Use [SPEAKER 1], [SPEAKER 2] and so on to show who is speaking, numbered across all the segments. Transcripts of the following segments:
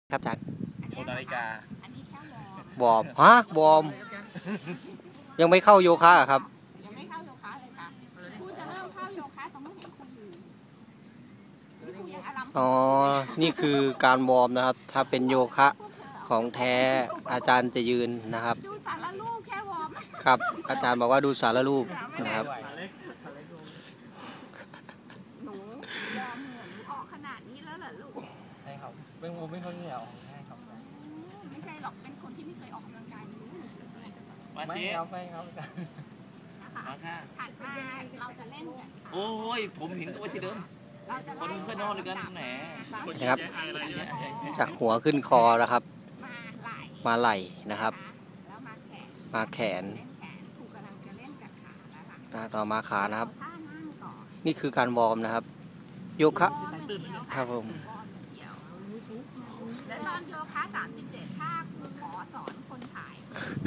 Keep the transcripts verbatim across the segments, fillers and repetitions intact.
[SPEAKER 1] ครับอาจารย์
[SPEAKER 2] โชว์นาฬิกา
[SPEAKER 1] บอมฮะบอมยังไม่เข้าโยคะครับ
[SPEAKER 3] ยังไม่เข้าโยคะเลยค่ะครูจะเริ่มเข้าโยคะตอนเมื่อเห็นครูอยู่นี่ครูยังอารมณ์
[SPEAKER 1] อ๋อนี่คือการวอร์มนะครับถ้าเป็นโยคะของแท้อาจารย์จะยืนนะครับ
[SPEAKER 3] ดูสารรูปแค่วอร์ม
[SPEAKER 1] ครับอาจารย์บอกว่าดูสารรูปนะครับ
[SPEAKER 3] หนูวอร์มเหมือนออกขนาดนี้แล้วเหรอลูก
[SPEAKER 2] ใช่ครับเป็นงูไม่ค่อยเหนียวใช่ครับ
[SPEAKER 3] ไม่ใช่หรอกเป็นคนที่ไม่เคยออกกำลังกายรู้
[SPEAKER 2] มาเจ๊เอาไปครับมาค่ะ
[SPEAKER 3] ถัดมาเราจะเล่นกัน
[SPEAKER 2] โอ้ยผมเห็นก็ว่าที่เดิมคนเพื่อนนอนเลยกันแหน
[SPEAKER 1] นะครับจากหัวขึ้นคอนะครับมาไหล่นะครับมาแขนต่อมาขานะครับนี่คือการวอร์มนะครับโยคะครับผม
[SPEAKER 3] และตอนโยคะสามสิบเจ็ดท่าครูขอสอนคนถ่าย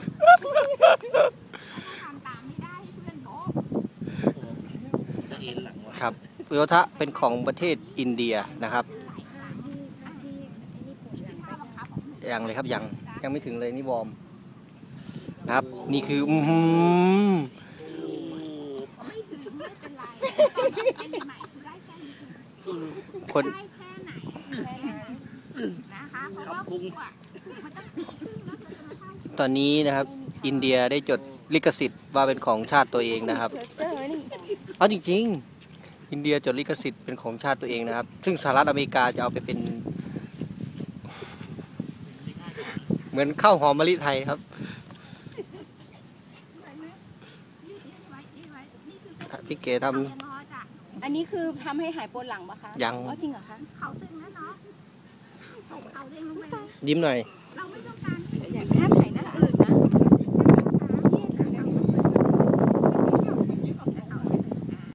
[SPEAKER 3] ทำตามไม่ได้เพื่อนโบ๊
[SPEAKER 1] ะครับโยคะเป็นของประเทศอินเดียนะครับยังเลยครับยังยังไม่ถึงเลยนี่วอร์มนะครับนี่คืออืม
[SPEAKER 3] ไม่ถึงไม่เป็นไรใหม่ๆได้แค่นี้
[SPEAKER 1] คน
[SPEAKER 3] ได้แค่ไหนนะคะเพราะว่าพุงมันต้องตีขึ้นแล้วมันจะมาเท่า
[SPEAKER 1] ตอนนี้นะครับอินเดียได้จดลิขสิทธิ์ว่าเป็นของชาติตัวเองนะครับเอาจริงๆอินเดียจดลิขสิทธิ์เป็นของชาติตัวเองนะครับซึ่งสหรัฐอเมริกาจะเอาไปเป็นเหมือนข้าวหอมมะลิไทยครับพี่เก๋ท
[SPEAKER 4] ำอันนี้คือทำให้หายปวดหลังปะคะ
[SPEAKER 1] ยัง
[SPEAKER 4] จริงเหรอคะ
[SPEAKER 3] เขาตึงแล้วเนาะเขาเด้งลงไป
[SPEAKER 1] ยิ้มหน่อย